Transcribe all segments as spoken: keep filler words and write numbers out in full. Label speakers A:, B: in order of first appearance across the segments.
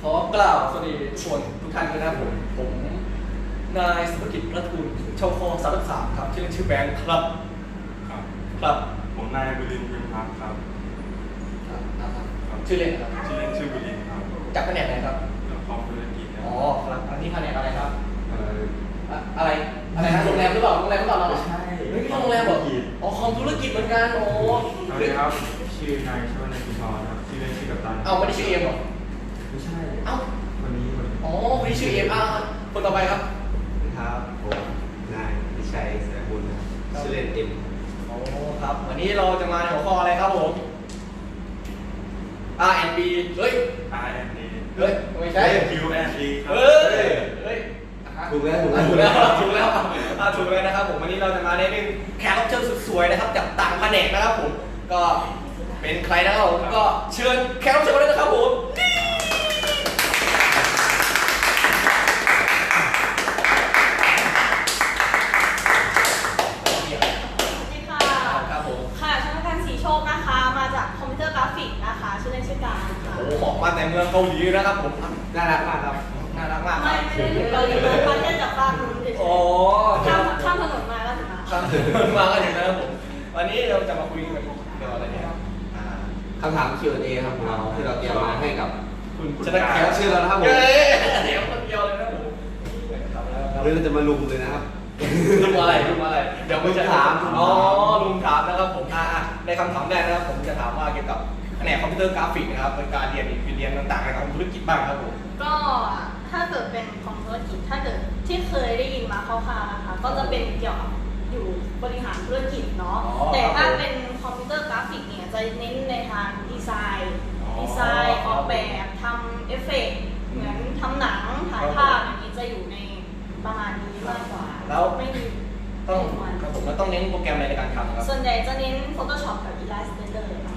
A: ขอกล่าวสวัสดีทุกคนทุกท่านด้วยนะครับผมผมนายสุภกิจรัตน์กุลชาวคอสามสามครับชื่อชื่อแบงค์ครับ
B: ครับ
A: ครับ
B: ผมนายบุรินทร์พิมพักครับ
A: ครับชื่อเล่นครับ
B: ชื่อเล่นชื่อบุรินทร์ครับ
A: จากแผนกไหนครับ
B: คอมธุรกิจ
A: อ๋อครับอันนี้แผนกอะไรครับ
B: เอ่อ
A: อะไรอะไรนะโรงแรมหรือเปล่าโรงแรมหรือเปล่าเรา
B: ใช่
A: ไม่ใช่โรงแรมหรออ๋อคอมธุรกิจเหมือนกันโอ้
B: สวัสดีครับชื่อนายชวนายกุชรครับชื่อเล่นชื่อกัปตัน
A: เอาไม่ได้ชื่อเอ็มหรอ
B: ไม่ใช่
A: เอ้า
B: วันนี้วัน
A: อ๋อวันนี้ชื่อเอ็มอ่ะคนต่อไปครับ
C: ครับผมนายวิชัยเสือบุญชื่อเล่นเอ็ม
A: โอ้ครับวันนี้เราจะมาในหัวข้ออะไรครับผม อาร์ แอนด์ บี เฮ้ย
B: อาร์ แอนด์ ดี
A: เฮ้ยไม่ใช่
B: คิว แอนด์ ดี
A: เฮ้ยเฮ้ย
C: ถูกแล้วถูก
A: ถูก
C: แล้
A: แล้ว วถูกแล้วอ่าถูกแล้วนะครับผมวันนี้เราจะมาในหนึ่งแขกรับเชิญสุดสวยนะครับจากต่างแผนกนะครับผมก็เป็นใครนะครับผมก็เชิญแขกรับเชิญมาเลยนะครับผมโอ้หมอกมาแต่เมืองเกาหลีนะครับผม
C: น่ารักมากครับ
A: น่ารักมาก
D: ไม่ไม่ได้ถึงเกาหลีเลยมาแค่จากบ้านนู้นเฉยๆข้ามข้ามถนนมาก็ถึงมา
A: ข้ามถนนมาก็ถึงนะครับผมวันนี้เราจะมาคุยกันเกี่ยวกับอะไรเนี่ย
C: คำถาม คิว แอนด์ เอ ครับของเราที่เราเตรียมมาให้กับ
A: คุณ
C: จะได้แขกรับเชิญเรานะครับผม
A: เดี๋ยวคนเดียวเลยนะผม
C: วันนี้เราจะมาลุมเลยนะครับ
A: ลุมอะไรลุมอะไรเดี๋ยวผมจะถามอ๋อลุมถามนะครับผมอ่าในคำถามแรกนะครับผมจะถามว่าเกี่ยวกับแผนกคอมพิวเตอร์กราฟิกนะครับเป็นการเรียนเรียนต่างๆในของธุรกิจบ้างครับผม
D: ก็ถ้าเกิดเป็นของธุรกิจถ้าเกิดที่เคยได้ยินมาคร่าวๆนะคะก็จะเป็นเกี่ยวกับอยู่บริหารธุรกิจเนาะแต่ถ้าเป็นคอมพิวเตอร์กราฟิกเนี่ยจะเน้นในทางดีไซน์ดีไซน์ออกแบบทำเอฟเฟกต์เหมือนทำหนังถ่ายภาพอย่างนี้จะอยู่ในประมาณนี้มากกว่า
A: แล้ว
D: ไม่มี
A: ต้องครับผมแล้วต้องเน้นโปรแกรมอะไรในการทำครับ
D: ส่วนใหญ่จะเน้น Photoshop กับ Illustrator ค่ะ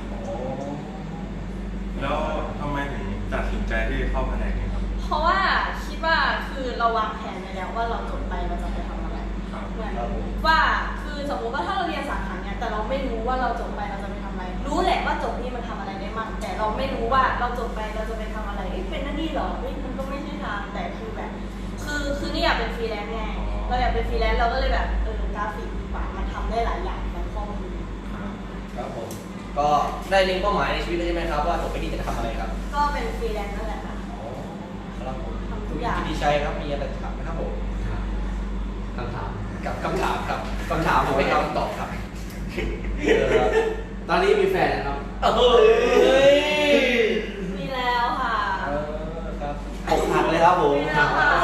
B: แล้วทำไมถึงตัดสินใจที่เข้าแผนกนี้ครับ
D: เพราะว่าคิดว่าคือเราวางแผนไว้แล้วว่าเราจบไปเราจะไปทำอะไรเหมือนว่าคือสมมติว่าถ้าเราเรียนสาขาเนี้ยแต่เราไม่รู้ว่าเราจบไปเราจะไปทำอะไรรู้แหละว่าจบนี่มันทำอะไรได้มั่งแต่เราไม่รู้ว่าเราจบไปเราจะไปทำอะไรเป็นหน้าที่หรอมันก็ไม่ใช่ทางแต่คือแบบคือคือนี่อยากเป็นฟรีแลนซ์ไงเราอยากเป็นฟรีแลนซ์เราก็เลยแบบเออกราฟิกดีกว่ามันทำได้หลายอย่างมันคล่องดี
A: ครับผมก็ได้เล็งเป้าหมายในชีวิตใช่ไหมครับว่าจบไปนี้จะทำอะไรครับ
D: ก็เป็นฟรีแลนซ์นั่นแหละค่ะ
A: ครับผมทำทุกอย่างดีใจครับมีอะไรจะถามไหมครับผม
C: คำถาม
A: กับคำถามครับคำถามผมไม่คำตอบครับ
C: ตอนนี้มีแฟนนะครับ
A: เฮ้ย
D: มีแล้วค่ะ
A: ครับอกหักเลยครับผม
D: มีแล้วค่ะ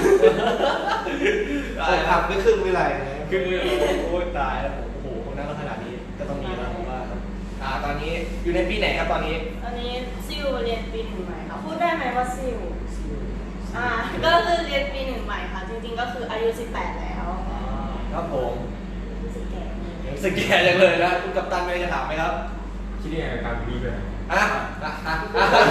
C: อกหักไม่ครึ่งไม่ไร
A: คือโอ้ยตายแล้วผมโอ้โหคนนั้นก็ขนาดนี้ก็ต้องมีแล้วผมว่าครับอ่าตอนนี้อยู่ในปีไหนครับตอนนี้
D: ตอนนี้ซิวเรียนปีหนึ่งใหม่ค่ะพูดได้ไหมว่าซิวอ่าก็คือเรียนปีหนึ่งใหม่ค่ะจริงๆก็คืออายุสิบแปดแล้ว
A: ครับผม
D: รู้สึกแก่
A: รู้สึกแก่จังเลยนะคุณกัปตันมีอะไรจะถามไหมครับ
B: คิดยังไงกับการบีแบบ
A: อ่ะอ่ะอ่ะ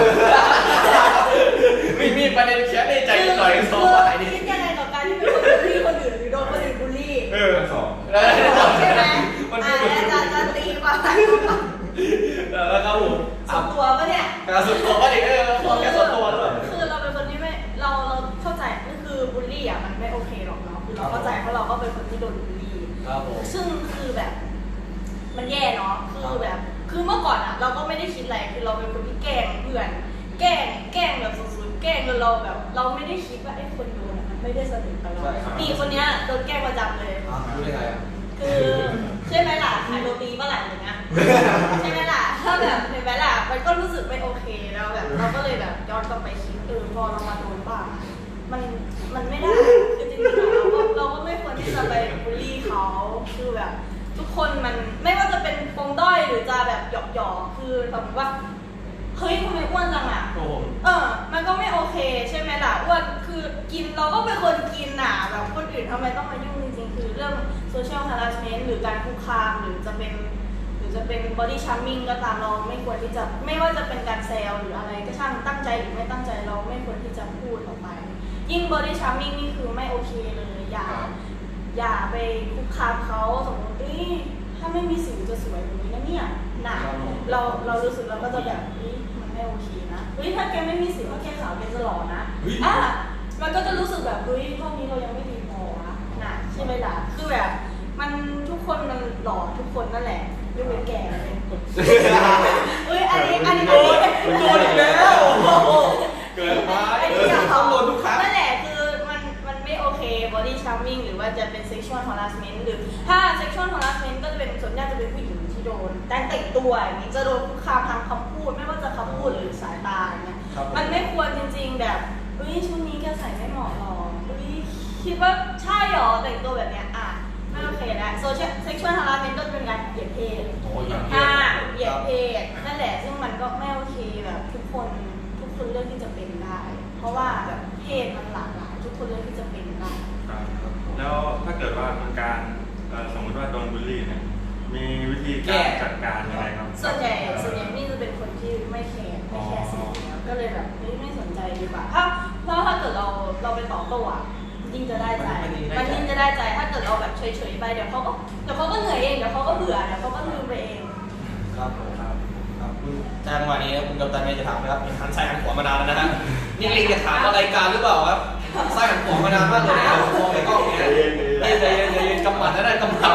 A: มีมีประเด็นแค่ในใจหน่อยสองฝ่ายนี่
D: คิดยังไงกับการที่เป็นคนบูลลี่คนอื่นหรือโดนคนอื่นบูลลี่
A: เออ
B: สอง
D: ใช่ไหมอ่าจะจะตีกว่า
A: แล้วครับผม
D: ส่วนตัวปะเนี่ย
A: การส่วนตัวปะเนี่ยเออพอแค่ส่วนตัวด้วย
D: คือเราเป็นคนที่ไม่เราเราเข้าใจก็คือบูลลี่อ่ะมันไม่โอเคหรอกเนาะคือเราเข้าใจเพราะเราก็เป็นคนที่โดนบูลลี่ซึ่งคือแบบมันแย่เนาะคือแบบคือเมื่อก่อนอ่ะเราก็ไม่ได้คิดอะไรคือเราเป็นคนที่แกล้งเพื่อนแกล้งแกล้งแบบสุดๆแกล้งจนเราแบบเราไม่ได้คิดว่าไอ้คนโดนมันไม่ได้สนิทกับเราตีคนเนี้ยโดนแกล้งประจำเลย
A: รู้ได้ไงอ่ะ
D: คือใช่ไหมล่ะขายโรตีเมื่อไหร่อย่างเงี้ยใช่ไหมล่ะถ้าแบบเห็นไหมล่ะมันก็รู้สึกไม่โอเคแล้วแบบเราก็เลยแบบย้อนกลับไปคิดเออพอเรามาโดนบ้างมันมันไม่ได้คือจริงๆเราก็เราก็ไม่ควรที่จะไปบูลลี่เขาคือแบบทุกคนมันไม่ว่าจะเป็นปมด้อยหรือจะแบบหยอกหยอกคือสมมติว่าเฮ้ยทำไมอ้วนจังอ่ะเออมันก็ไม่โอเคใช่ไหมล่ะอ้วนคือกินเราก็เป็นคนกินน่ะแบบคนอื่นทำไมต้องมายุ่งจริงๆคือเรื่องโซเชียลฮาร์สเมนต์หรือการคุกคามหรือจะเป็นหรือจะเป็นบอดี้ชัมมิ่งก็ตามเราไม่ควรที่จะไม่ว่าจะเป็นการแซวหรืออะไรก็ช่างตั้งใจหรือไม่ตั้งใจเราไม่ควรที่จะพูดออกไปยิ่งบอดี้ชัมมิ่งนี่คือไม่โอเคเลยอย่าอย่าไปคุกคามเขาสมมติถ้าไม่มีสิวจะสวยแบบนี้นะเนี่ยหนาเราเรารู้สึกเราก็จะแบบมันไม่โอเคนะเฮ้ยถ้าแกไม่มีมีสิทธิ์ว่าแค่ขาวเป็นจะหล่อนะอ่ะมันก็จะรู้สึกแบบเฮ้ยห้องนี้เรายังไม่ดีพอนะน่ะใช่ไหมล่ะคือแบบมันทุกคนมันหล่อทุกคนนั่นแหละยกเว้นแก่เลยเฮ้ยอันนี้อันนี้
A: โดนโดนอีกแล้วเกิดมา
D: อัน
A: เอ
D: นี้
A: อ
D: อยาก
A: ต้อง
D: ทำ
A: โดนทุกครั้ง
D: นั่นแหละคือมันมันไม่โอเค body charming หรือว่าจะเป็น sexual harassment หรือถ้า sexual harassment ก็จะเป็นส่วนใหญ่จะเป็นผู้หญิงที่โดนการแต่งตัวอย่างนี้จะโดนคุกคามทางคำพูดไม่ว่าจะคำพูดหรือสายตาอย่างเงี้ยมันไม่ควรจริงๆแบบเฮ้ยชุดนี้แกใส่ไม่เหมาะหรอกเฮ้ยคิดว่าใช่หรอแต่งตัวแบบเนี้ยอ่ะไม่โอเคแล้ว social sexual harassment ก็เป็นการเหยียดเพศ
A: โอ้ยอย่าง
D: อ่าเหยียดเพศนั่นแหละซึ่งมันก็ไม่โอเคแบบทุกคนทุกคนเลือกที่จะเป็นได้ เพราะว่าแบบเพศมันหลากหลายทุกคนเลือกที่จะเป็นได้
B: ครับแล้วถ้าเกิดว่าเป็นการเอ่อสมมติว่าโดนบูลลี่เนี่ยมีวิธีการจัดการยังไงครับ
D: ส่วนใหญ่ส่วนใหญ่นี่จะเป็นคนที่ไม่แคร์ไม่แคร์สิ่งนี้ก็เลยแบบไม่ไม่สนใจดีกว่าถ้าเพราะถ้าเกิดเราเราไปต่อโต้อะยิ่งจะได้ใจมันยิ่งจะได้ใจถ้าเกิดเราแบบเฉยๆไปเดี๋ยวเขาก็เดี๋ยวเขาก็เหนื่อยเองเดี๋ยวเขาก็เบื่อเดี๋ยวเขาก็ลืมไปเอง
A: ครับผมครับครับคุณจังหวะนี้คุณกัปตันเมย์จะถามนะครับหันซ้ายหันขวามานานแล้วนะฮะนี่ลิงจะถามอะไรายการหรือเปล่าครับซ้ายหันขวามานานมากเลยนะครับมองในกล้องเนี่ยใจเย็นใจเย็นใจเย็นกำหมัดได้ได้กำหมัด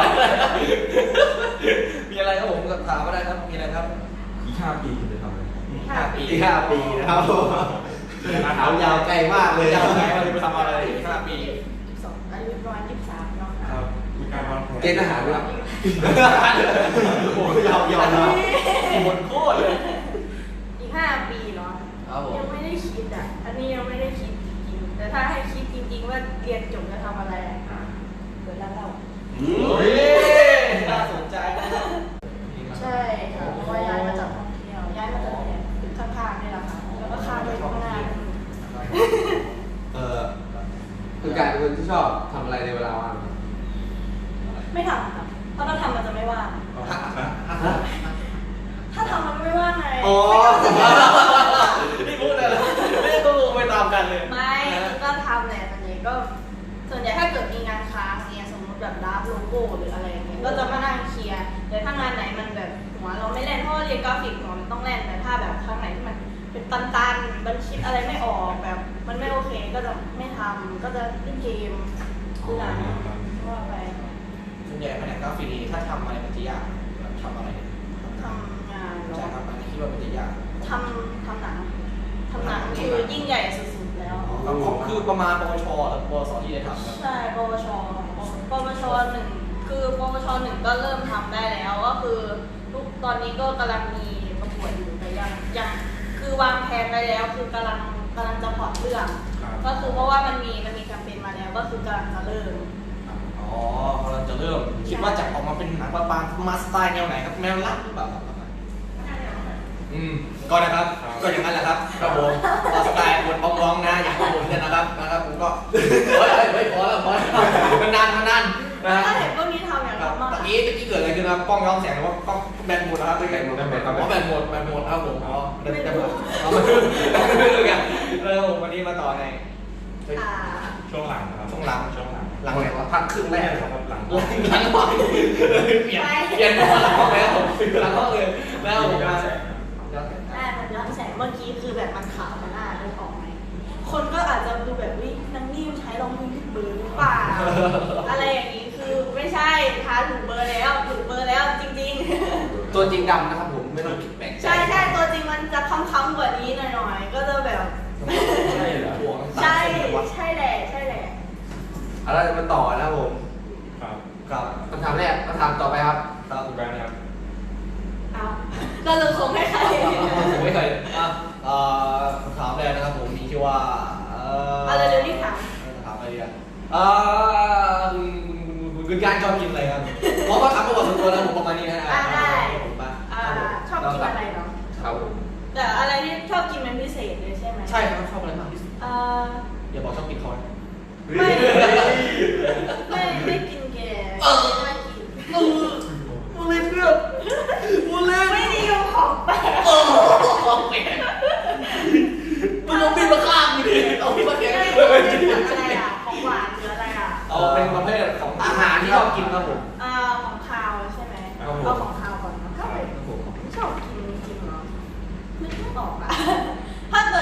A: มีอะไรครับผมถามก็ได้ครับมีอะไรครับ
B: อีกห้าปีคุณจะทำอะไร
A: ห้าปี
C: ที่ห้าปีนะครับถามยาวไกลมากเลย
A: ยาวไกลว่าจะไปทำอะไรอีกห้าปี
D: ยี่สิบสองอายุประมาณยี่สิบสามเนาะ
B: ครับมีการวางแผน
C: เกณฑ์ทหารด้วยโอ้ยยาวยาวนะ
A: หมดโคตรเลย
D: อีกห้าปีเนาะ
A: ครับผม
D: ยังไม่ได้คิดอ่ะ อันนี้ยังไม่ได้คิดจริงๆแต่ถ้าให้คิดจริงๆว่าเรียนจบจะทำอะไรอะ
B: อ่า
D: เปิดร้านเหล้า
A: เฮ้ยน่าสนใจนะครับ
D: ใช่ค่ะเพราะว่าย้ายมาจากท่องเที่ยวย้ายมาจากเนี่ยตึกข้างๆนี่แหละค่ะแล้วก็ข้ามไปข้างหน้า
C: เออคือการเป็นคนที่ชอบทำอะไรในเวลาว่าง
D: ไม่ทำค่ะเพราะถ้าทำมันจะไม่ว่าง
C: ฮะ
D: ถ้าทำมันไม่ว่างไง
C: อ๋อ
A: นี่พูดอะไรไม่ได้ก็งงไปตามกันเลย
D: ไม่ก็ทำแหละส่วนใหญ่ก็ ส่วนใหญ่ถ้าเกิดมีงานค้างเนี่ยสมมติแบบรับโลโก้หรืออะไรเงี้ยก็จะมานั่งเคลียร์แต่ถ้างานไหนมันแบบหัวเราไม่แล่นเพราะว่าเรียนกราฟิกหัวมันต้องแล่นแต่ถ้าแบบครั้งไหนที่มันเป็นตันๆมันคิดอะไรไม่ออกแบบ มันไม่โอเคก็จะไม่ทำก็จะเล่นเกมดูหนังว่าไป
A: ส่วนใหญ่แผนกกราฟิกนี่ถ้าทำอะไรมันจะยากแบบทำอะไรเนี่ย
D: ทำงาน
A: ใช่
D: เนาะ
A: ครับอันนี้คิดว่ามันจะยาก
D: ทำทำหนังทำหนังคือยิ่งใหญ่สุดๆแล้ว
A: ครับผมคือประมาณปวชหรือปวสที่ได้ทำครับ
D: ใช่ปวชปวชหนึ่งคือปวชหนึ่งก็เริ่มทำได้แล้วก็คือทุกตอนนี้ก็กำลังมีประกวดอยู่แต่ยังยังคือวางแผนไปแล้วคือกำลังกำลังจะพอร์ตเรื่อง ก็คือเพราะว่ามันมีมันมีแคมเปญมาแล้วก็คือกำลังจะเริ่ม
A: อ๋อกำลังจะเริ่มคิดว่าจะออกมาเป็นหนังประมาณมาสไตล์แนวไหนครับแนวรักหรือเปล่าครับอืมก็นะครับก็อย่างนั้นแหละครับครับผมสไตล์บนบ้องๆนะอย่างของผมเนี่ยนะครับนะครับผมก็เฮ้ยเฮ้ยพอแล้วพอแล้วมันนานมันนานนะ
D: ถ้าเห็นพวกนี้ทำอย่าง
A: ครับ
D: ทำมาก
A: ตะกี้ตะกี้เกิดอะไรขึ้นครับกล้องย้อนแสงหรือว่ากล้องแบนหมดนะครับแบนหมดแบนหมดครับอ๋อแบนหมดแบนหมดครับผมอ๋อแบนหมดเอาไม่รู้ไม่รู้กันแล้ววันนี้มาต่อใน
D: อ่า
B: ช่วงหลังนะครับ
A: ช่วงหลัง
B: ช่วงหลัง
A: หลังไหนวะ
C: พักครึ่งแรก
B: ครับหลัง
A: หลังหลังห้องเปลี่ยนเปลี่ยนหลังห้องแล้วหลังห้องเลยแล้วผมมา
D: อ่ามันย้อนแสงเมื่อกี้คือแบบมันขาวมันหน้าเลยออกไหมคนก็อาจจะดูแบบวินังนิ่มใช้รองมือผิดเบอร์หรือเปล่าอะไรอย่างนี้คือไม่ใช่ทาถูกเบอร์แล้วถูกเบอร์แล้วจริงๆ
C: ตัวจริงดำนะครับผมไม่ต้องคิดแปลกใจ
D: ใช่ใช่ตัวจริงมันจะค้ำๆกว่านี้หน่อยๆ ก็จะแบบ
A: ใช่เหรอ
D: ใช่ใช่แหละใช่แหละ
C: เอาละมาต่อนะครับผม
B: ครับ
A: ครับ
C: คำถามแรกคำถามต่อไปครับ
A: ครับ
B: คุณแบงค์นะครับ
D: เอาเราจะส่งให้ใคร
A: ผมไม่เคยอ่ะเอ่อคำถามแรกนะครับผมมีชื่อว่าเอ่อ
D: เอาเร็วๆรีบถาม
A: ถามอะไรดีอ่ะเอ่อคุณคุณคุณการชอบกินอะไรครับเพราะว่าถามประวัติส่วนตัวแล้วผมประมาณนี้นะ
D: อ่าได้
A: ผมปะ
D: อ่าชอบกินอะไรเนาะ
C: ครับผม
D: แต่อะไรที่ชอบกินเป็นพิเศษเลยใช่ไหม
A: ใช่ครับชอบอะไรมากที่สุด
D: อ่า
A: อย่าบอกชอบกินคอน
D: ไม่ไม่ไม่กินแกไม่กิน
A: มูเลยเพื่อนมูเลย
D: ไม่นิยมของแปลก
A: โอ้ของแปลกมึงลงบินมาข้ามกูดิเอาพี่มาแกง
D: ไม่
A: เลย
D: กินอะไรอ่ะของหวานหรืออะไรอ่ะ
A: เอาเป็นประเภทของอาหารที่ชอบกินครับผม
D: อ่าของคาวใช่ไหม
A: ครับผม
D: เอาของคาวก่อนเนอะก็เป็นชอบกินจริงๆเหรอนึกไม่ออกอะ ถ้าเกิดกิน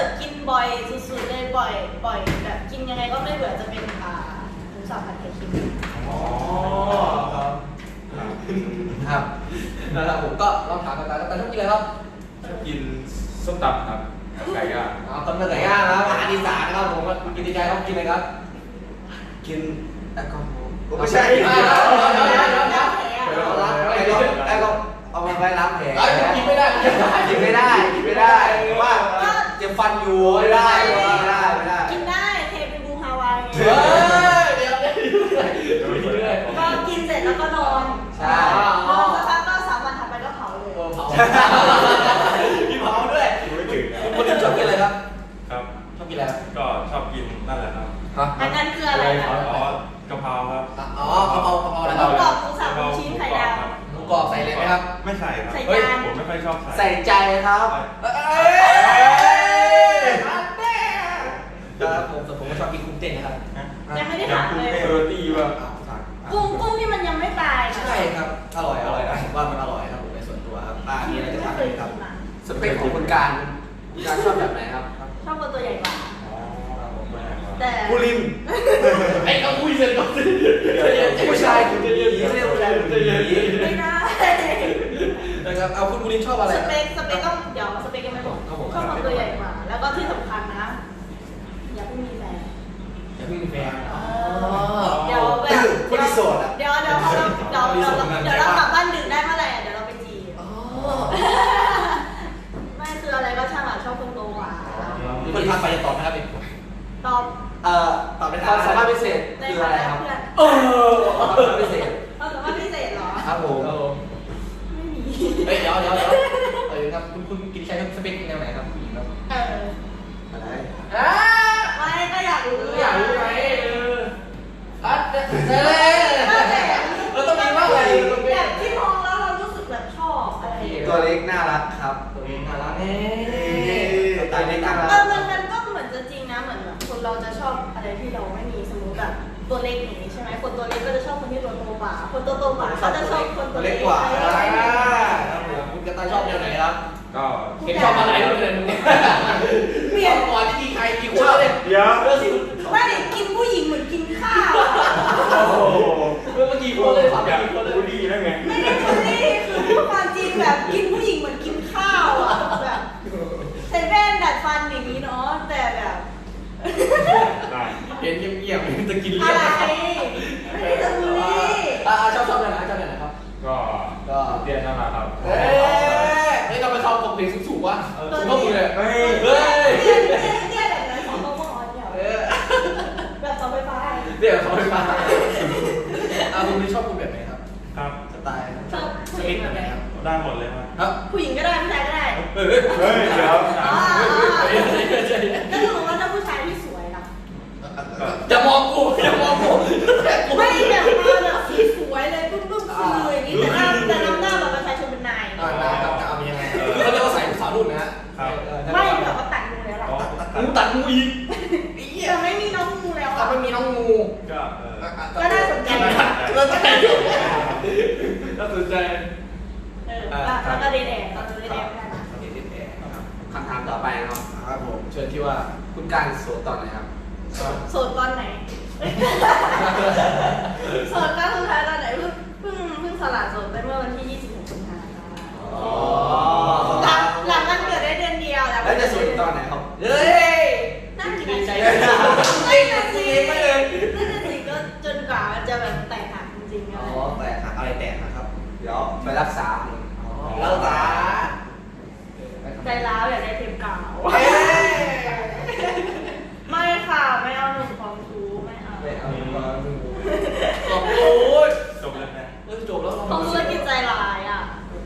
D: บ่อยสุดๆเลยบ่อยบ่อยแบบกินยังไงก็ไม่เบื่อจะเป็นอ่าหมูสับผัดไข่เค็ม
A: อ๋อครับ
C: ครับนะครับผมก็ลองถามกันไปแล้วกันชอบกินอะไรครับ
B: ชอบกินส้มตำครับกับไก่ย่าง
C: เอาตำเนื้อไก่ย่างนะครับอาหารอีสานนะครับผมว่ากินดีใจต้องกินอะไรครับ
E: กินแอลกอฮอล์
C: ไม่ใช่เดี๋ยวเดี๋ยวเดี๋ยวเดี๋ยวเดี๋ยวเดี๋ยวเดี๋ยวล้างแผลแอลกอเอามาไว้ล้างแผล
A: กินไม่ได้กินไม่ได้
C: กินไม่ได้กินไม่ได้ว่าเจ็บฟันอยู่ไม่ได้ไม่ได้ไม่ได้
D: กินได้เทเป็นบูฮาวายไง
C: เฮ้ยเดี๋ยวเดี๋ยว
D: ก็กินเสร็จแล้วก็นอน
C: ใช่
D: นอนสักพักก็สามวันถัดไปก็เผาเลย
C: เผากินเผาด้วย
B: ไม่ถึงนะ
C: คนที่ชอบกินอะไรครับ
B: ครับ
C: ชอบกินอะไรครับ
B: ก็ชอบกินนั่นแหละครับ
D: อันนั้นคืออะไรนะ
B: อ๋อกะเพราครับ
C: อ๋อกะเพรากะเพราอะไรค
D: ห
C: รั
D: มู
C: บ
D: กรอบหมูสับหมูชิ้นไข่ดาว
C: หมูกรอบใส่เลยไหมครับ
B: ไม่ใส่ครับ
D: ใส่
C: เฮ้ย
D: จาน
B: ผมไม่ค่อยชอบใส่
C: ใส่ใจครับเอ้ยครับผมแต่ผมก็ชอบกินกุ้งเต้นนะครับ
D: ยังไม่ได้ถามเลย
B: เออตีว่า
D: กุ้งกุ้งที่มันยังไม่ตายนะ
C: ใช่ครับ อร่อยอร่อยนะผมว่ามันอร่อยครับผมในส่วนตัวครับป้ามีอะไรจะ
D: ไม่
C: ถาม
D: เค
C: ไห
D: ย
C: มครับ
D: กินอ่ะ
C: สเปคของคุณการคุณการชอบแบบไหนครับ
D: ชอบคนตัวใหญ่กว่า
B: อ๋อผมไม่ได้ครับ
D: แต่
C: ผู้ลิน
A: ไอ้ก็คุยเสร็จก่อนสิ
C: ผู้ชายคุณจะยืนไม่ใช่ผู้ชายคุณจะยืน
D: ไม่ได้
C: นะครับเอาคุณผู้ลินชอบอะไร
D: สเปคสเปคต้องเดี๋ยวสเปคยังไม่บอกชอบคนตัวใหญ่กว่า แล้วก็ที่สำคัญนะ อย่าเพิ่งมีแฟน
C: อย่าเพิ่งมีแฟน
D: เดี๋ยวแบบ
C: คนที่โสดอ่ะ
D: เดี๋ยวเดี๋ยวพอเราเดี๋ยวเดี๋ยวเดี๋ยวเรากลับบ้านดึกได้เมื่อไหร่เดี๋ยวเราไปจีบไม่คืออะไรก็ช่างอ่ะชอบคนโตกว่า
A: คนทักไปจะตอบไหมครับพี่
D: ตอบ
C: เอ่อ
A: ตอบได้
C: ความสามารถพิเศษ
D: ใน
C: คือ
D: ฐา
C: อะไร
D: นะครับ เพื่อน
C: เออความสามารถพิเศษ
D: ความสามารถพิเศษเหรอ
C: ครับผม
D: ไม่มี
A: เฮ้ยเดี๋ยวเดี๋ยวเดี๋ยวเออครับคุณคุณกินใช้สเปคแนวไหนครับผู้หญิงครับ
D: เออ
E: อะไร
C: อ่า
D: ไม่ก็อยากรู้
C: อยากรู้ไหมเอออ่ะเจ๊เจ๊
D: ก็แต่
C: เราต้องมีว่าอะไรเราต้องมี
D: แบบที่มองแล้วเรารู้สึกแบบชอบอะไรอย่างเงี้ย
E: ตัวเล็กน่ารักครับ
C: ตัวเองน่ารักเน่
E: ตัวเล็กน่ารั
D: เอก อมันมันก็เหมือนจะจริงนะเหมือนแบบคนเราจะชอบอะไรที่เราไม่มีสมมติแบบตัวเล็กอย่างนี้ใช่ไหมคนตัวเล็กก็จะชอบคนที่ตัวโตกว่า คนตัวโตกว่าเขาจะชอบคน
A: ตั
D: ตัว ว
A: เล็
D: เล็
A: ก
D: ก
A: ก
D: ก
A: ว่า
D: ว่า
A: ครับผมคุณกระต่ายชอบแนวไหนครับ
B: ก็
A: เห็นชอบอะไรเลยมึงเนี่ย
D: เปลี่ยน
A: ก่อนที่มีใครกี่คนเลย
B: เดี๋ยว
A: เรื่องสิ
D: ไม่ได้กินผู้หญิงเหมือนกินข้าวอะ
B: โอ้โห
A: เรื่องเมื่อกี้คนเลยฝั่ง
B: อยาก
A: กี่คนเลย
B: บูลลี่ได้ไง
D: ไม่ได้บูลลี่คือพูดความจริงแบบกินผู้หญิงเหมือนกินข้าวอ่ะแบบใส่แว่นดัดฟันอย่างนี้เนาะแต่แบบ
B: ได้
A: เห็นเงียบๆจะกิน
D: อะ
A: เลี้ยง
D: ไร
A: นะครับ
D: ไม่ได้จะบูลลี่
C: อ่าชอบชอบแบบไหนชอบแบบไหนครับ
B: ก็ก็เตี้ยน่ารักครับ
C: เอ้ย
A: เฮ้ยเราไปชอบกับเพลงสูงๆวะ
D: ตัว
A: สูงก็มีเลย
B: เฮ้ย
A: เฮ้ย
D: เตี้ยเตี้ยเตี้ยแบบไหนสองโมงอ่อนเดียว
C: เออ
D: แบบเสาไฟฟ้า
C: เดี๋ยวเขาไปฟังอ่าคุณนี่ชอบคุณแบบไหนครับ
B: ครับ
C: สไตล์
D: ชอบ
A: ส
D: ผู้ห
A: เป
D: ญิ
A: ค
D: ง
A: แบ
D: แบบ บ
A: ไห
D: ไห
A: น
D: น
A: ครับ
B: ได้หมดเลยครับ
C: ครับ
D: ผู้หญิงก็ได้ผู้ชายก็ได้
C: เฮ้ย
B: เฮ้ยเดี๋ยว
D: อ๋อก็คือว่าถ้าผู้ชายที่สวยล่ะ
A: จะมองกูจะมองกูแต่กู
D: ไม่แบบมาแบบสีสวยเลยปุ๊บปุ๊บคืออย่างนี้แต่หน้าแต่น้ำหน้าแบบประชาชนเป็นนาย
C: อ่าได้ครับจะเอาเป็นยังไงคือเขาเรียกว่าใส่สาวรุ่นนะฮะ
D: ไม่แบบว่าตัดงูแล้วล่ะ
B: อ๋อ
A: กูตัดงูอีก
D: แต่ไม่มีน้องงูแล้ว
C: ถ้า
D: อ่ะ
C: ไม่มีน้องงู
B: ก็เออ
D: ก็น่าสนใจ
C: น่าสนใจน่าสนใจ
D: เออแล้วก็เดนแดงตอนเดนแดงไม่ได้นะ
C: คำถามต่อไปนะครับครับผมเชิญที่ว่าคุณการโสดตอนไหนครับ
D: โสดตอนไหนโสดครั้งสุดท้ายตอนไหนเพิ่งเพิ่งเพิ่งสละโสดไปเมื่อวันที่ยี่สิบหกสิงหาคม
C: อ๋อ
D: หลังหลังมันเกิดได้เดือนเดียวแล้ว
C: แล้วจะโสดตอนไหนครับเฮ้ย
D: น่ากิน
A: ดีใจ
D: ใจ
C: ไม่เลย
D: ไม่นะสิ
C: ไม่เลย
D: นั่นน่ะสิก็จนกว่ามันจะแบบแตกหักจริงๆ
C: อ๋
D: อะ
C: อ
D: ไร
C: แต่อะไรแตกนะครับ เดี๋ยวไปรักษาอ๋อรักษา
D: ใจร้าวอยากได้เทปกาว
C: เฮ้ย
D: ไม่ค่ะไม่เอาหนุ่มของชูไม่เอา
C: ไม่เอามาดู
A: โอ้ย
B: จบแล้วนะ
A: เออจบแล้ว
D: เขาธุรกิจใจร้ายอ่ะ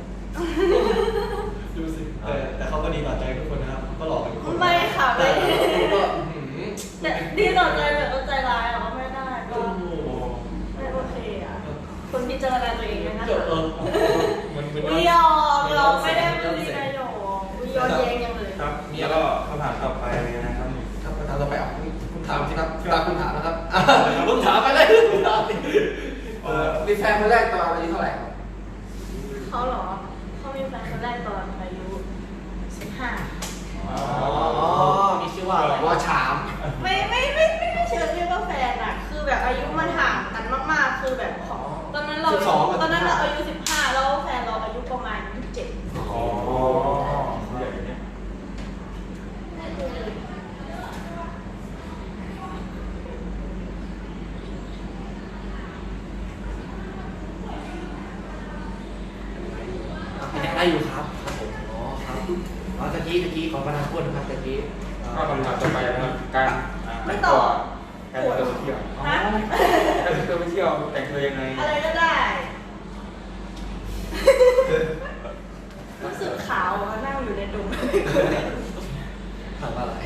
A: ดูสิแต่แต่เขาก็ดีต่อใจทุกคนนะครับก็หลอกกันทุกคน
D: ไม่ค่ะ
A: แต่
D: ไม่
A: คุณก็หืม
D: แต่ดีต่อใจแบบก็ใจร้ายอ่ะก็ไม่ได้ก็
A: โอ้โห
D: ไม่โอเคอ่ะคนพิจารณาตัวเองด้วยนะ
A: เจอเออมันมัน
D: วิยอมเราไม่ได้บูลลี่นายกวิยอมแย้งยังเลย
B: ครับแล้วก็คำถามต่อไปเลยนะครับนี่
C: ครับคำถามต่อไปอ่ะคุณถามสิครับตามคุณถามนะครับ
A: ผมถามไปเลยผมถามดิ
C: เออมีแฟนคนแรกตอนอายุเท่าไหร่ครับ
D: เขาเหรอเขามีแฟนคนแรกตอนอายุสิบห้า
A: อ๋อมีชื่อว่า
C: พนักพูดนะครับตะกี้
B: ก็คำถามต่อไปนะครับการ
D: ไม่
B: แต่ง
D: ต
B: ตั
D: อ
B: ว
D: บ
B: การแต่งตัวไปเที่ยว
D: ฮะ
B: การแต่งตัวไปเที่ยวแต่งตัวยังไง
D: อะไรก็ได้ รู้สึกขาวอะนั่งอยู่ในดง
C: ถามว่าอะไร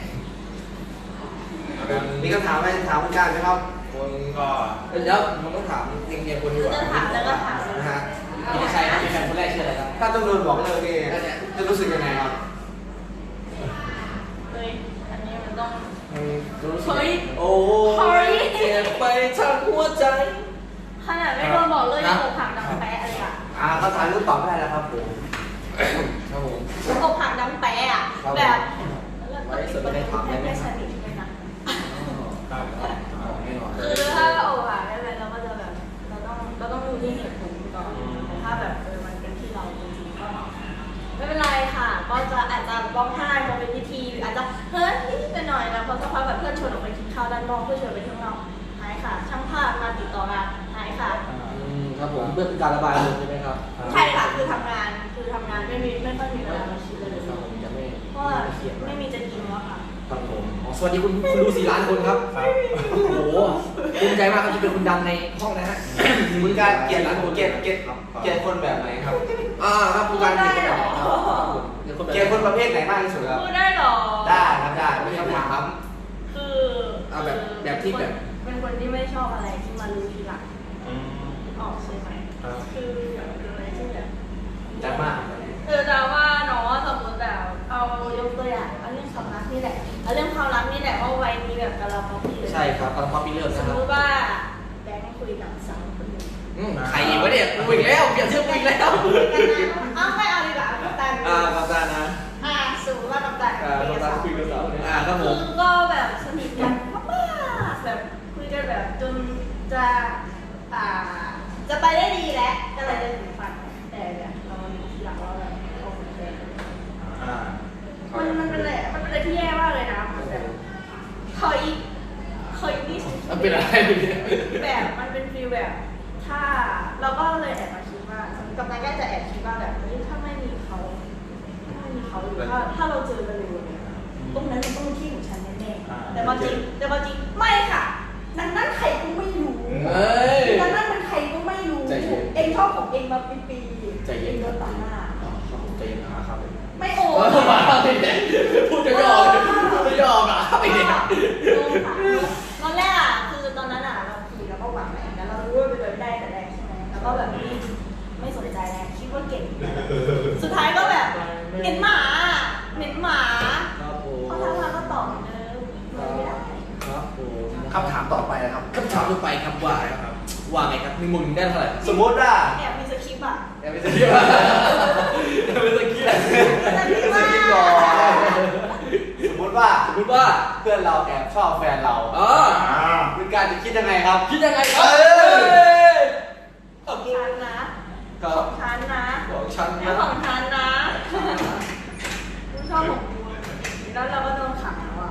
E: มีคำถามอะไรถามคุณการไหมครับ
A: คนก็
C: แล้วมันต้องถามเรียงๆคนดีกว่า
D: จะถามแล้วก็ถาม
C: นะฮะ
A: มีใครครับมีแฟนคนแรกชื่ออะไรครับ
E: ถ้าต้องโดนบอกเลยนี่จะรู้สึกยังไงครับ
D: เฮ้ยอันนี้มันต้อง
C: อืมรู้สึก
D: เฮ้ย
C: โอ้
D: เฮ้ย
C: เจ็บไปทั้งหัวใจ
D: ขนาดไม่โดนบอกเลยยังอกหักดังแปะอะไรอ่ะ
E: อ่าคำถามรู้ตอบไม่ได้แล้วครับผม
C: ครับผม
D: อกหักดังแปะอ่ะ
C: ครับ
D: แบบแล้วก็ปิดประตูให้ไม่สนิทเลยนะ
B: ครับ
C: แน่นอน
D: คือถ้าอกหักอะไรเราก็จะแบบเราต้องเราต้องดูที่เหตุผลก่อนแต่ถ้าแบบเออมันเป็นที่เราจริงๆก็ไม่เป็นไรค่ะ ก็จะอาจจะร้องไห้มองเป็นพิธีหรืออาจจะเฮ้ยนิดๆหน่อยๆนะพอสักพักแบบเพื่อนชวนออกไปกินข้าวด้านนอกเพื่อนชวนไปข้างนอกหายค่ะ ช่างภาพมาติดต่อมาหายค่ะ
C: อืมครับผมเพื่อเป็นการระบายอารมณ์ใช่ไหมครับ
D: ใช่ค่ะ คือทำงาน คือทำงานไม่มีไม่ค่อยมีเวลามาคิดเลย
C: ครับผมจะไม่
D: เพราะว่า
C: ไม่เขียน
D: ไม่มีจะกินแล้วค่ะ
C: ครับผมอ๋อสวัสดีคุณคุณดูสี่ล้านคนครับ
B: ครับ
C: โอ้โหภูมิใจมากครับที่เป็นคุณดังในห้องนะฮะ
E: คุณการเกลียดเกลียดเกลียดเกลียดคนแบบไหนครับ
C: อ่าครับคุณการเกลียดคนแบบไหนครับเกลียดคนแบบ
E: เกลียดคนประเภทไหนมากที่สุดครับ
D: พูดได้เหรอ
E: ได้ครับได้ไม่คำถาม
D: คือ
C: เอาแบบแบบที่แบบ
D: เป็นคนที่ไม่ชอบอะไรที่มารู้ทีหลัง
B: อืม
D: ออกใช่ไหม
B: ครับ
D: คือแบบเป็นอะไรที่แบบ
E: จัดมาก
D: เออแต่ว่าเนาะสมมติแบบเอายกตัวอย่างเอาเรื่องความรักนี่แหละเอาเรื่องความรักนี่แหละว่าวัยนี้แบบกำลังพอดีเลย
C: ใช่ครับตอนพอปีเริ่ม
D: ส
C: นะ
D: ม
C: ครั
D: ม
C: บ
D: ติว่าแบงค์คุยกับสาวคนหนึ่ง
C: อืมใครอีกวะเนี่ยกูอีกแล้วเปลี่ยนชื่อกูอีกแล้ว
D: เอาไม่เอาดีกว่ากัปตัน
C: อ่าครับได้นะ
D: อ่าสมมติว่ากัปตัน
C: อ่าต้องการคุยกับสาวเนี่ยอ่าครับผม
D: คือก็แบบสนิทกันมากๆแบบคุยกันแบบจนจะอ่าจะไปได้ดีแล้วก็เลยจะถึงฝันแต่แบบเราทีหลังว่าแบบเขาเป็นแฟน
B: อ่า
D: มันมันเป็นอะไรมันเป็นอะไรที่แย่มากเลยนะมันแบบเคยเคยนี่
C: มันเป็นอะไรเนี่ย
D: แบบมันเป็นฟีลแบบ ถ้าเราก็เลยแอบมาคิดว่ากับนายก็จะแอบคิดว่าแบบเฮ้ยถ้าไม่มีเขาถ้าไม่มีเขาหรือถ้าถ้าเราเจอกันเร็วเนี่ยตรงนั้นมันต้องเป็นที่ของฉันแน่ๆแต่พอจริงแต่พอจริงไม่ค่ะนั่นนั่นใครก็ไม่รู้
C: เฮ้ย
D: นั่นนั่นมันใครก็ไม่รู้
C: ใจเย็น
D: เองชอบของเองมาปีปีๆ
C: ใจเย็น
D: องโดนตัดหน้า
C: อ๋อครับผมใจเย็นนะครับ
D: ไม่โอ้
C: เออมาไม่ได้พูดจะยอมไม่ยอมอ่ะไอ้เนี่ย
D: โดนค่ะตอนแรกอ่ะคือตอนนั้นอ่ะเราคุยแล้วก็หวังแหละแล้วเรารู้ว่าเป็นไปไม่ได้แต่แรกใช่ไหมแล้วก็แบบไม่ไม่สนใจแล้วคิดว่าเก่ง สุดท้ายก็แบบเหม็นหมาเหม็นหมา
C: ครับผม
D: เขาทำมาก็ตอบเหมือนเดิมไม่ได้
C: ครับผม
E: คำถามต่อไปนะครับ
C: คำถามต่อไปครับว่าครับว่าไงครับหนึ่งหมื่นได้เท่าไหร่
E: สมมติว่า
D: แอบมีสคริปต์อ่ะ
C: ยังไม่สกิปอ่ะยังไม่สกิปอ่ะ
D: แต่พี่ว่า
E: ก่อนสมมติว่า
C: สมมติว่า
E: เพื่อนเราแอบชอบแฟนเรา
C: อ๋อ
B: อ่า
E: คุณการจะคิดยังไงครับ
C: คิดยังไงครับ
E: เอ้ย
D: ของฉันนะ
C: ก็
D: ของฉันนะ
C: ของฉัน
D: ไม่
C: นะ
D: ของฉันนะกูชอบของกูแล้วเราก็โดนขังแล้วอ่ะ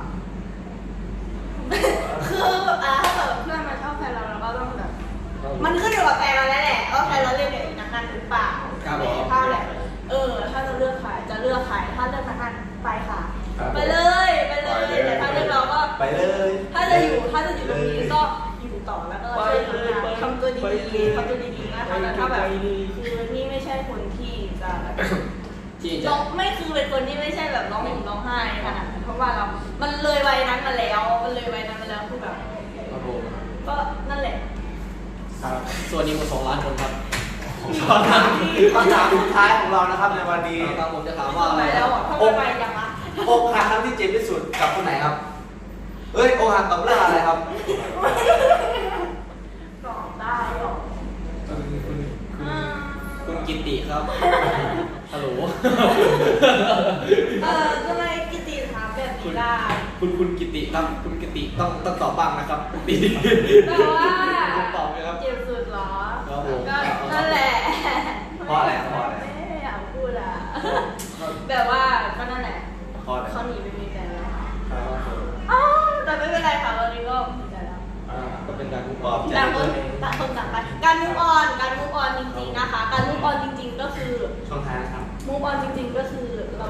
D: คืออ่ะถ้าเกิดเพื่อนมาชอบแฟนเราเราก็ต้องแบบ มันขึ้นอยู่กับแฟนเราแล้วแหละว่าแฟนเราเล่นกับอีกนักการหรือเปล่า
C: ครับผม
D: ถ้าแบบเออ ถ้าจะเลือกใครจะเลือกใครถ้าเลือกนักการไปค่ะ
C: ครับ
D: ไปเลย ไปเลย แต่ถ้าเลือกเราก็
E: ไปเลย
D: ถ้าจะอยู่ ถ้าจะอยู่ตรงนี้ก็อยู่ต่อแล้วก็ช่วยทำงานทำตัวดีๆทำตัวดีๆนะคะแล้วถ้าแบบคือนี่ไม่ใช่คนที่จะแบบ
C: ที่
D: ร้
C: จะ
D: องไม่คือเป็นคนที่ไม่ใช่แบบร้องห่มร้องไห้ขนาดนั้นเพราะว่าเรา มันเลยวัยนั้นมาแล้ว มันเลยวัยนั้นมาแล้วคือแบบ
C: ครับผม
D: ก็นั่นแหละ
C: ครับส่วนนี้มาสองล้านคนครับ
E: คำถามคำถามสุดท้ายของเรานะครับในวันนี้
C: ครับผมจะถาม
D: ว่า
C: ว่า
D: อะ
C: อะไร ไร
D: แล้
C: แล้ว ว
D: อ่ะทำไมไปยังอ่ะ
E: อกหักครั้งที่เจ็บที่สุดกับคนไหนครับ เอ้ยอกหักกับเรื่องอะไรครับ
D: ตอบได้หรอ
C: คุณคุณ
D: อืม
C: คุณกิติครับฮัลโหล
D: เออทำไมกิติถามแบบนี้ได้
C: คุณคุณกิติครับคุณกิติต้องต้องตอบบ้างนะครับคุณกิติ
D: แต่ว่า
C: คุณตอบไหมครับ
D: เจ็บสุดเหรอ
C: ครับผม
D: ก็นั่นแหละ
E: เพราะอะไรเพราะอะไร
D: ไม่อยากพูดอ่ะ แบบว่าก็นั่นแหละ
E: เพราะอะไร
D: เขาหนีไปมีแฟนแล้วค่ะ
C: ครับผม
D: อ้าวแต่ไม่เป็นไรค่ะตอนนี้ก็มีแฟนแล้ว
C: อ่าก็เป็นการคุ้มคร
E: ป
C: อ
E: ล
C: ง
E: อบใจ
D: ต่างคนต่างคนต่างไปการมุกออนการมุกออนจริงๆนะคะ การมุกออนจริง ๆ ก็คือ
E: ช่องทางนะครับ
D: มุกออนจริง ๆ ก็คือเรา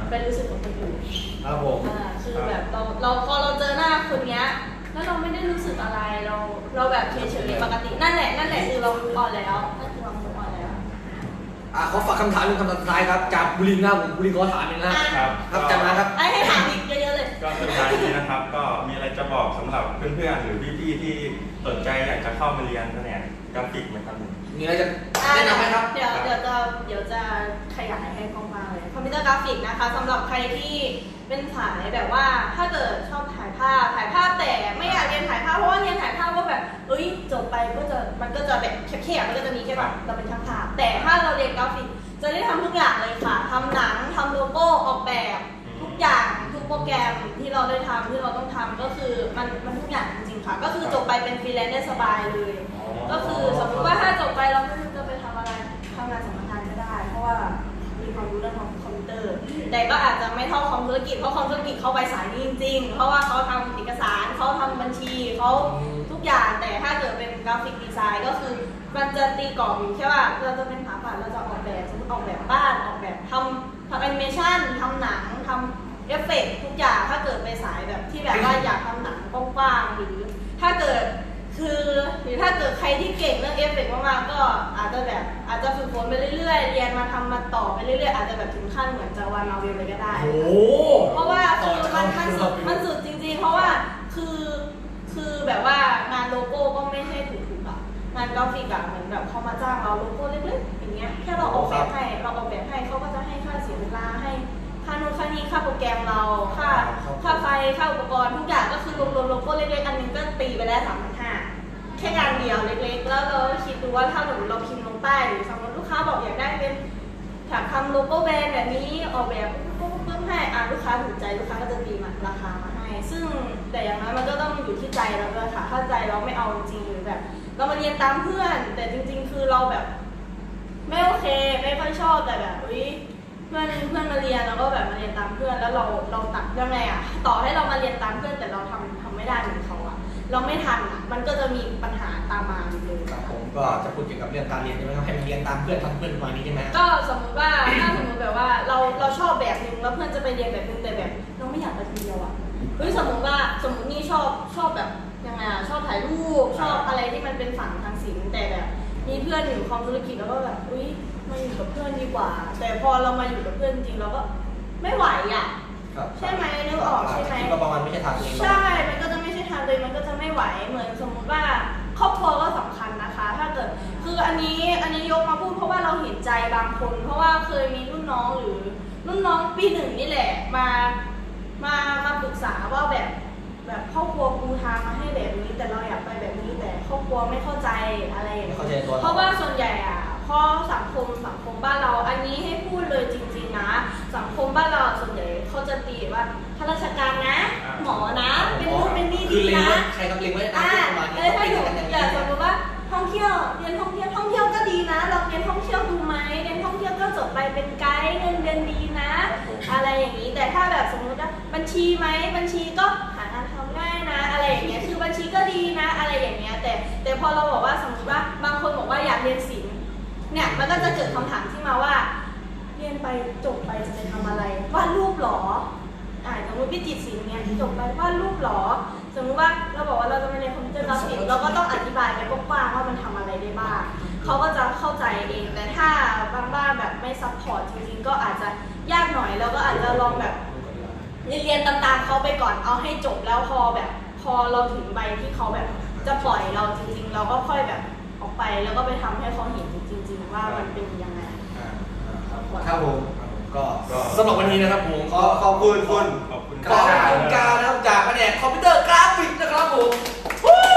D: ไปรู้สึกกับคนอื่น
A: ครับผม
D: อ่าคือแบบเราเราพอเราเจอหน้าคนเนี้ยแล้วเราไม่ได้รู้สึกอะไรเราเราแบบเฉยๆปกตินั่นแหละนั่นแหละคือเรารู้ออนแล้วนั่นคือเรารู้ออนแล้ว
A: อ่ะขอฝากคำถามหนึ่งคำถามสุดท้ายครับจากบุรินทร์นะครับผมบุรินทร์ขอถามหนึ่งนะ
D: อ่ะ
B: ครับ
A: ครับจากมาครับ
D: ไอ้ให้ถามอีกเยอะๆเลย
B: ก็สุดท้ายนี้นะครับ ก็มีอะไรจะบอกสำหรับเพื่อนๆหรือพี่ๆที่สนใจอยากจะเข้ามาเรียนแผนกกราฟิกไหมครับผม
A: มีอะไรจะ
D: อ่ะ
A: แนะนำไหมครับ
D: เดี๋ยวเดี๋ยวจะเดี๋ยวจะขยายให้กว้างๆเลยคอมพิวเตอร์กราฟิกนะคะสำหรับใครที่เป็นสายแบบว่าถ้าเกิดชอบถ่ายภาพถ่ายภาพแต่ไม่อยากเรียนถ่ายภาพเพราะว่าเรียนถ่ายภาพก็แบบเอ้ยจบไปก็จะมันก็จะแบบแคบๆมันก็จะมีแค่แบบเราเป็นช่างภาพแต่ถ้าเราเรียนกราฟิกจะได้ทำทุกอย่างเลยค่ะทำหนังทำโลโก้ออกแบบทุกอย่างทุกโปรแกรมที่เราได้ทำที่เราต้องทำก็คือมันมันทุกอย่างจริงๆค่ะก็คือจบไปเป็นฟรีแลนซ์ได้สบายเลย ก็คือสมมติว่าถ้าจบไปเราไม่รู้จะไปทำอะไรทำงานสำนักงานก็ได้ เพราะว่ามีความรู้เรื่องของคอมพิวเตอร์ แต่ก็อาจจะไม่เท่าคอมธุรกิจเพราะคอมธุรกิจเขาไปสายนี้จริงๆ เพราะว่าเขาทำเอกสารเขาทำบัญชีเขาทุกอย่างแต่ถ้าเกิดเป็นกราฟิกดีไซน์ก็คือมันจะตีกรอบอยู่แค่ว่าเราจะเป็นสถาปัตย์เราจะออกแบบสมมติออกแบบบ้านออกแบบทำทำแอนิเมชันทำหนังทำเอฟเฟกต์ทุกอย่างถ้าเกิดไปสายแบบที่แบบว่าอยากทำหนังกว้างๆหรือถ้าเกิดคือหรือถ้าเกิดใครที่เก่งเรื่องเอฟเฟกต์มากๆก็อาจจะแบบอาจจะฝึกฝนไปเรื่อยๆเรียนมาทำมาต่อไปเรื่อยๆอาจจะแบบถึงขั้นเหมือนจะวานมาเวลเลยก็ได้
A: โอ้โห
D: เพราะว่า
A: ต่
D: คือ
A: อ
D: มัน
A: จาก
D: มัน
A: เรา
D: สุดมันสุดจริงๆ เพราะว่าคือคือแบบว่างานโลโก้ก็ไม่ใช่ถูกๆอ่ะงานกราฟิกอะเหมือนแบบเขามาจ้างเราโลโก้เล็กๆอย่างเงี้ยแค่เราออกแบบให้เราออกแบบให้เขาก็จะให้ค่าเสียเวลาให้ค่านู่นค่านี่ค่าโปรแกรมเราค่าค่าไฟค่าอุปกรณ์ทุกอย่างก็คือรวมๆโลโก้เล็กๆอันนึงก็ตีไปได้สามพันห้าแค่งานเดียวเล็กๆแล้วเราคิดดูว่าถ้าสมมติเราพิมพ์ลงใต้หรือสมมติลูกค้าบอกอยากได้เป็นอยากทำโลโก้แบรนด์แบบนี้ออกแบบปุ๊บปุ๊บให้อ่ะลูกค้าถูกใจลูกค้าก็จะตีมาราคามาให้ซึ่งแต่อย่างนั้นมันก็ต้องอยู่ที่ใจเราด้วยค่ะถ้าใจเราไม่เอาจริงหรือแบบ เรามาเรียนตามเพื่อนแต่จริงๆคือเราแบบไม่โอเคไม่ค่อยชอบแต่แบบอุ้ยเพื่อนเพื่อนมาเรียนแล้วก็แบบมาเรียนตามเพื่อนแล้วเราเราตัดยังไงอ่ะต่อให้เรามาเรียนตามเพื่อนแต่เราทำทำไม่ได้เหมือนเขาอ่ะเราไม่ทันอ่ะมันก็จะมีปัญหาตามมาอยู่เลย
A: ครับผมก็จะพูดเกี่ยวกับเรื่องการเรียนใช่ไหมครับให้มันเรียนตามเพื่อนทำเพื่อนประมาณนี้ใช่ไหม
D: ก็สมมติว่าถ้าสมมติแบบว่าเราเราชอบแบบนึงแล้วเพื่อนจะไปเรียนแบบนึงแต่แบบเราไม่อยากไปทีเดียวอ่ะเฮ้ยสมมติว่าสมมตินี่ชอบชอบแบบยังไงอ่ะชอบถ่ายรูปชอบอะไรที่มันเป็นฝั่งทางศิลป์แต่แบบมีเพื่อนอยู่คอมธุรกิจแล้วก็แบบอุ้ยมาอยู่กับเพื่อนดีกว่า แต่พอเรามาอยู่กับเพื่อนจริงเราก็ไม่ไหวอ่ะ
A: ครับ
D: ใช่ไหมนึกออกใช่ไหม
A: คิดว่าประมาณไม่ใช่ทางเอง
D: ใช่ มันก็จะไม่ใช่ทางเลยมันก็จะไม่ไหวเหมือนสมมุติว่าครอบครัวก็สำคัญนะคะ ถ้าเกิดคืออันนี้อันนี้ยกมาพูดเพราะว่าเราเห็นใจบางคน เพราะว่าเคยมีรุ่นน้องหรือรุ่นน้องปีหนึ่งนี่แหละมามามาปรึกษาว่าแบบแบบครอบครัวปูทางมาให้แบบนี้ แต่เราอยากไปแบบนี้แต่ครอบครัวไม่เข้าใจอะไรอย่าง
A: ไม่
D: เงี้ย
A: เข้าใจตัว
D: เพราะว่าส่วนใหญ่อะพอสังคมสังคมบ้านเราอันนี้ให้พูดเลยจริงๆนะสังคมบ้านเราส่วนใหญ่เขาจะตีว่าข้าราชการนะ หมอนะ เป็นนู่นเป็นนี่
A: คื
D: ดี
A: อเล็ง
D: นะ
A: ไว้ใครครับเล็งไว้ตาม
D: อ่า
A: ที่ประมาณนี้
D: เออถ้าอยู่
A: เป็นกัน
D: อย่า
A: อย่าง
D: ส
A: นี้
D: มมติว่าท่องเที่ยวเรียนท่องเที่ยวท่องเที่ยวก็ดีนะเราเรียนท่องเที่ยวดูไหมเรียนท่องเที่ยวก็จบไปเป็นไกด์เงินเดือนดีนะ อะไรอย่างนี้แต่ถ้าแบบสมมติว่าบัญชีไหมบัญชีก็หางานทำง่ายนะ อะไรอย่างเงี้ยคือบัญชีก็ดีนะ อะไรอย่างเงี้ยแต่แต่พอเราบอกว่าสมมติว่าบางคนบอกว่าอยากเรียนศิลป์เนี่ยมันก็จะเกิดคำถามที่มาว่า เรียนไปจบไปจะไปทำอะไรวาดรูปหรออ่าสมมติวิจิตรศิลป์เนี่ยจบไปวาดรูปหรอสมมติว่าเราบอกว่าเราจะไปเรียนคอมพิวเตอร์กราฟิกเราก็ต้องอธิบายไปกว้างๆว่ามันทำอะไรได้บ้างเขาก็จะเข้าใจเองแต่ถ้าบางบ้านแบบไม่ซัพพอร์ตจริงๆก็อาจจะยากหน่อยแล้วก็อาจจะลองแบบเรียนตามๆเขาไปก่อนเอาให้จบแล้วพอแบบพอเราถึงใบที่เขาแบบจะปล่อยเราจริงๆเราก็ค่อยแบบออกไปแล้วก็ไปทำให้เขาเห็นจริงๆว่ามันเป็นยังไง
A: ครับผมก็สำหรับวันนี้นะครับผม
E: ขอขอบคุณคุณ
B: ขอบคุณ
A: ขอบคุณการนะครับจากแผนกคอมพิวเตอร์กราฟิกนะครับผมวู้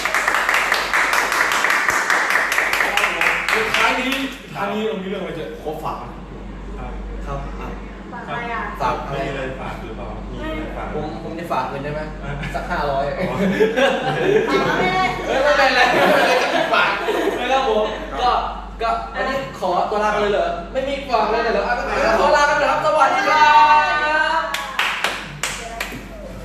A: ท้ายนี้ท้ายนี้เรามีเรื่องอะไรจะขอฝากนะครับ ครับอ่ะ
D: ฝากอะไรอ่ะ
A: ฝากอะไร
B: มีอะไรฝากหรือเปล่ามีอะไรฝาก
A: ผมผมจะฝากเงินได้ไหมสักห้าร้อย
D: ฝากไม่ได้
A: เอ้ยไม่เป็นไรไม่เป็นไรก็ฝากนะครับผมก็ก็อันนี้ขอตัวลาไปเลยเหรอไม่มีฝากเลยเหรออ่ะก็ขอ